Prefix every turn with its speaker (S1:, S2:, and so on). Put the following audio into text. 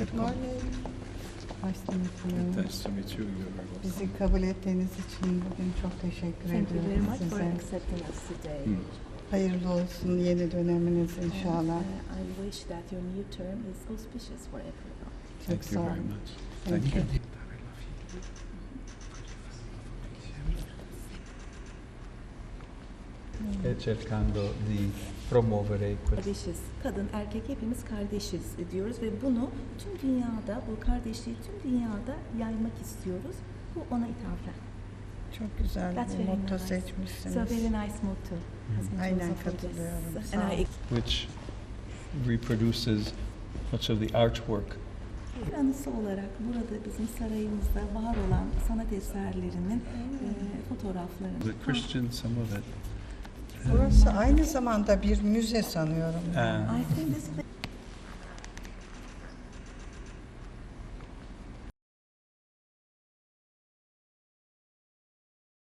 S1: Good morning. Nice to meet you.
S2: Nice to meet you. You're very welcome.
S1: Bizi kabul ettiğiniz için bugün çok teşekkür
S3: Thank you very
S1: ediyorum
S3: much for
S1: size.
S3: accepting us today.
S1: Hayırlı olsun yeni döneminiz inşallah.
S3: I wish that your new term is auspicious for everyone.
S1: Çok
S2: Thank
S1: sağ
S2: you very
S1: olun.
S2: much.
S1: Thank
S2: Thank
S1: you.
S2: you.
S4: E cercando di promuovere questo.
S3: Kardeşiz. Kadın, erkek hepimiz kardeşiz diyoruz ve bunu tüm dünyada, bu kardeşliği tüm dünyada yaymak istiyoruz. Bu ona ithafen.
S1: Çok güzel
S3: That's
S1: bir
S3: very
S1: motto
S3: nice.
S1: seçmişsiniz.
S3: So very nice motto. As much
S1: Aynen
S3: also for this.
S1: katılıyorum. Sağ
S3: And I
S1: olun.
S4: Which reproduces much of the artwork.
S3: bir anısı olarak burada bizim sarayımızda var olan sanat eserlerinin fotoğraflarını.
S2: The Christian, some of it.
S1: Burası aynı zamanda bir müze sanıyorum.
S3: I think this